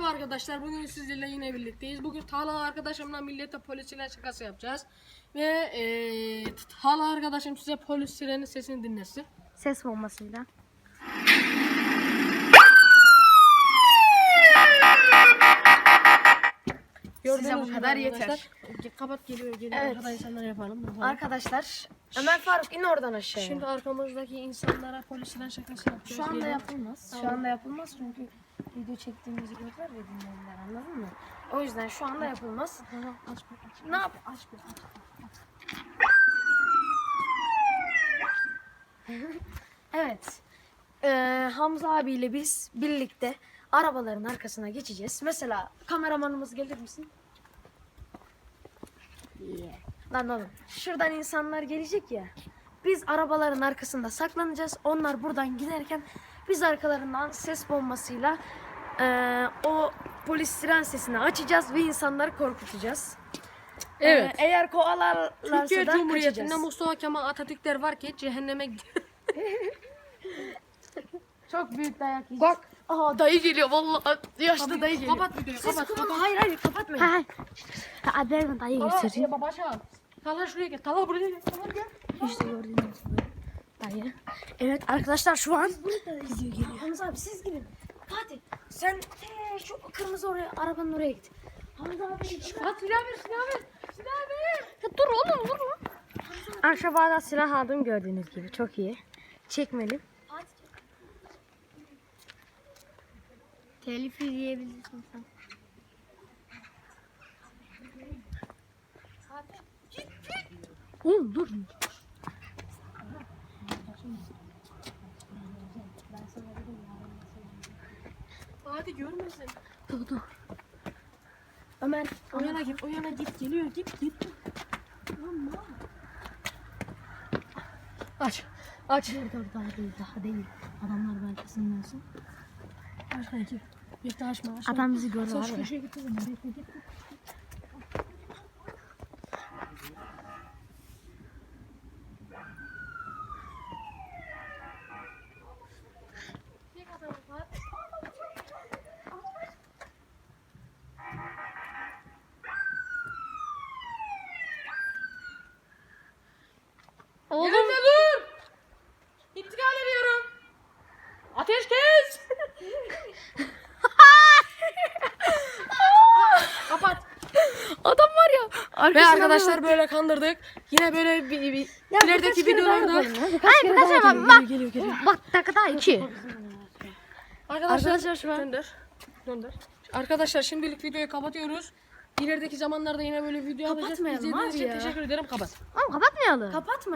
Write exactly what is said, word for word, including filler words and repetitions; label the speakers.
Speaker 1: arkadaşlar, bugün sizlerle yine birlikteyiz. Bugün Talha arkadaşımla millete polis siren şakası yapacağız. Ve ee, Talha arkadaşım size polis sirenin sesini dinlesin.
Speaker 2: Ses bombasıyla.
Speaker 1: Gördüğünüz
Speaker 2: Size bu
Speaker 1: gibi
Speaker 2: kadar
Speaker 1: arkadaşlar.
Speaker 2: yeter.
Speaker 1: Kapat, geliyor geliyor.
Speaker 2: Evet.
Speaker 1: Arkada insanlar yapalım. yapalım.
Speaker 2: Arkadaşlar Ömer Faruk in oradan aşağıya.
Speaker 1: Şimdi arkamızdaki insanlara polis siren şakası yapacağız.
Speaker 2: Şu anda
Speaker 1: Gelin.
Speaker 2: yapılmaz. Şu
Speaker 1: Tamam.
Speaker 2: anda yapılmaz çünkü video çektiğimizi görürler ve dinlerler, anladın mı? O yüzden şu anda yapılmaz.
Speaker 1: Tamam, aç bir aç.
Speaker 2: Ne yap?
Speaker 1: Aç bir aç.
Speaker 2: Evet. Ee, Hamza abiyle biz birlikte arabaların arkasına geçeceğiz. Mesela kameramanımız gelir misin?
Speaker 1: Yeah.
Speaker 2: Lan oğlum. Şuradan insanlar gelecek ya. Biz arabaların arkasında saklanacağız. Onlar buradan giderken biz arkalarından ses bombasıyla eee, o polis siren sesini açacağız ve insanları korkutacağız.
Speaker 1: Evet.
Speaker 2: Eee, eğer kovalarlarsa
Speaker 1: Türkiye
Speaker 2: da
Speaker 1: Cumhuriyeti'nde
Speaker 2: kaçacağız.
Speaker 1: Mustafa Kemal Atatürkler var ki cehenneme gidiyor.
Speaker 2: Çok büyük dayak yiyeceğiz.
Speaker 1: Bak.
Speaker 2: Aha dayı geliyor vallahi. Yaşlı dayı geliyor.
Speaker 1: Kapat videoyu,
Speaker 2: Ses
Speaker 1: kapat,
Speaker 2: kullanma.
Speaker 1: kapat.
Speaker 2: Hayır hayır kapatmayın.
Speaker 3: Hayır. Abi ben dayı
Speaker 1: Talha,
Speaker 3: göstereyim.
Speaker 1: ya baba aşağı. Talha şuraya gel. Talha buraya gel. Talha gel.
Speaker 3: İşte gördüğünüz gibi. Dayı. Evet arkadaşlar şu an video geliyor.
Speaker 2: Hamza abi siz gidin. Fatih sen ee, şu kırmızı oraya arabanın oraya git. Hamza abi.
Speaker 1: At silah ver, silah ver. Silah ver.
Speaker 3: Ya dur oğlum vurma. Aşağıda silah aldım gördüğünüz gibi. Çok iyi. Çekmedim. Telif yiyebilirsin sen. Oğlum dur.
Speaker 1: Hadi görmesin.
Speaker 3: Dur dur.
Speaker 2: Ömer.
Speaker 1: O yana git, o yana git. Geliyor, git, git. Aç, aç.
Speaker 3: Dur dur daha değil daha değil. Adamlar belki sinirlensin.
Speaker 1: Aç kanki. Bekle, açma, açma.
Speaker 3: Adam bizi gördü
Speaker 1: Sen
Speaker 3: var
Speaker 1: şu
Speaker 3: ya.
Speaker 1: köşeye git kızım. Bekle, git.
Speaker 3: Oğlum.
Speaker 1: Yerinde dur. İntikal ediyorum. Ateş kes. Kapat.
Speaker 2: Adam var ya.
Speaker 1: Ve
Speaker 2: Arkasına
Speaker 1: arkadaşlar böyle kandırdık. Yine böyle bir, bir
Speaker 2: Ya
Speaker 1: ilerideki
Speaker 2: birkaç kere daha
Speaker 1: videolarda.
Speaker 2: yapalım ya, birkaç
Speaker 3: Hayır
Speaker 2: kere
Speaker 3: birkaç
Speaker 2: daha
Speaker 3: ama
Speaker 2: yapalım.
Speaker 3: bak.
Speaker 1: Geliyor, geliyor.
Speaker 3: Bak dakika iki.
Speaker 1: Arkadaşlar,
Speaker 2: Arkadaşlar şu an-
Speaker 1: Döndür. Döndür. Arkadaşlar şimdilik videoyu kapatıyoruz. İlerideki zamanlarda yine böyle video yapacağız.
Speaker 2: Kapatmayalım
Speaker 1: İzlediğiniz
Speaker 2: abi
Speaker 1: için
Speaker 2: ya.
Speaker 1: teşekkür ederim. Kapat.
Speaker 3: Oğlum kapatmayalım.
Speaker 2: Kapatma.